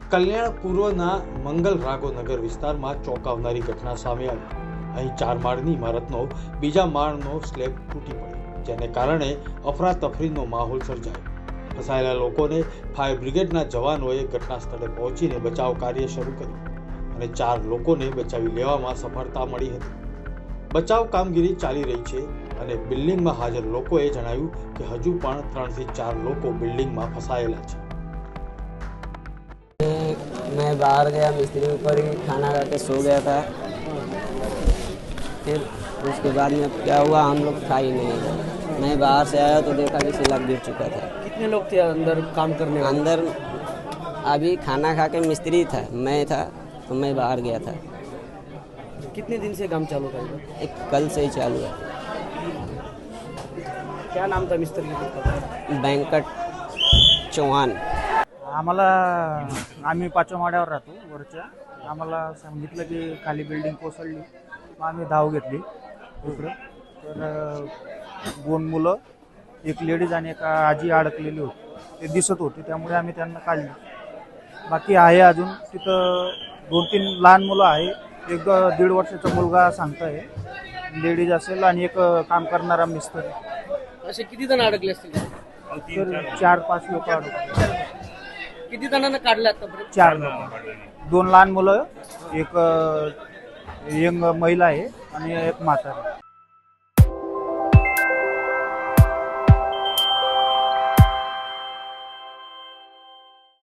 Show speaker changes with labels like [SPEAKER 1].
[SPEAKER 1] કલ્યાણ પૂર્વના મંગલ રાઘો નગર વિસ્તારમાં ચોંકાવનારી ઘટના સામે આવી। અહીં 4 માળની ઇમારતનો બીજા માળનો સ્લેબ તૂટી પડ્યો, જેને કારણે અફરાતફરીનો માહોલ સર્જાયો। ફસાયેલા લોકોને ફાયર બ્રિગેડના જવાનોએ ઘટના સ્થળે પહોંચીને બચાવ કાર્ય શરૂ કર્યું અને 4 લોકોને બચાવી લેવામાં સફળતા મળી હતી। બચાવ કામગીરી ચાલી રહી છે અને બિલ્ડિંગમાં હાજર લોકોએ જણાવ્યું કે હજુ પણ 3 થી 4 લોકો બિલ્ડિંગમાં ફસાયેલા છે।
[SPEAKER 2] मैं बाहर गया, मिस्त्री ऊपर ही खाना खा के सो गया था। फिर उसके बाद में क्या हुआ, हम लोग खा ही नहीं। मैं बाहर से आया तो देखा कि स्लैब गिर चुका था।
[SPEAKER 3] कितने लोग थे अंदर काम करने वाले?
[SPEAKER 2] अंदर अभी खाना खा के मिस्त्री था, मैं था, तो मैं बाहर गया था।
[SPEAKER 3] कितने दिन से काम चालू था?
[SPEAKER 2] एक कल से ही चालू है।
[SPEAKER 3] क्या नाम था मिस्त्री का?
[SPEAKER 2] वेंकट चौहान।
[SPEAKER 4] आम्हाला आम्ही 5व्या माळ्यावर राहतो वरच्या। आम्हाला सांगितलं की खाली बिल्डिंग कोसळली, मग आम्ही धाव घेतली इकडं। तर 2 मुलं, एक लेडीज आणि एक आजी अडकलेली होती, ते दिसत होते, त्यामुळे आम्ही त्यांना काढली। बाकी आहे अजून तिथं 2-3 लहान मुलं आहे, एक 1.5 वर्षाचा मुलगा सांगताय, लेडीज असेल आणि एक काम करणारा मिस्त्री।
[SPEAKER 3] असे किती जण अडकले असतील?
[SPEAKER 4] तर 4-5 लोक अडकले।
[SPEAKER 3] किती जणांना काढले आतापर्यंत?
[SPEAKER 4] 4 लोक, 2 लहान मुलं, एक यंग महिला आहे आणि एक म्हातारी।